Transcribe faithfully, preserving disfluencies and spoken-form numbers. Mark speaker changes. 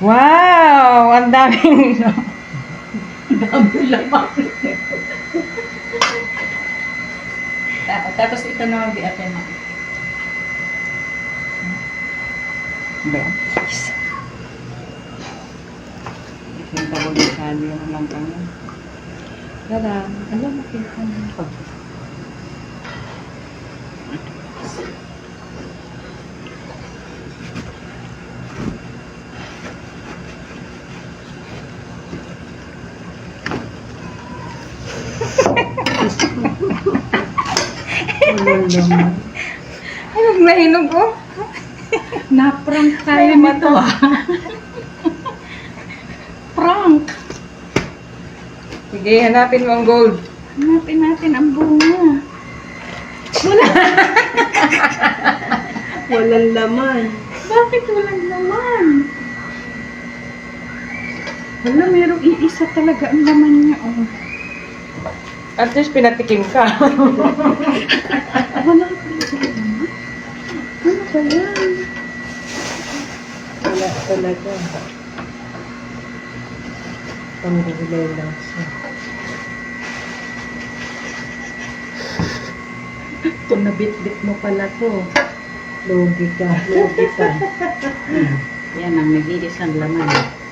Speaker 1: Wow! Ang daming...
Speaker 2: Dami laman. Ta- Tapos ito naman biatin mo.
Speaker 1: Ba? Yes. Yung kabulitado yung lang kami. Tada! Alam mo kita mo.
Speaker 2: Walang laman.
Speaker 1: Hinog na hinog oh.
Speaker 2: Na-prank tayo
Speaker 1: Ay,
Speaker 2: nito ah. Prank.
Speaker 1: Sige, hanapin mo ang gold.
Speaker 2: Hanapin natin ang bunga.
Speaker 3: Walang laman.
Speaker 2: Bakit walang laman? Wala, merong iisa talaga ang laman niya. Oh.
Speaker 1: At least pinatikim ka.
Speaker 2: Wala talaga laman. Ano ba yan?
Speaker 3: Wala talaga. Pangulay lang siya.
Speaker 2: Kung nabit-bit mo pala to.
Speaker 3: Logi ka. Logi ka.
Speaker 2: Yan ang nag-iisang laman.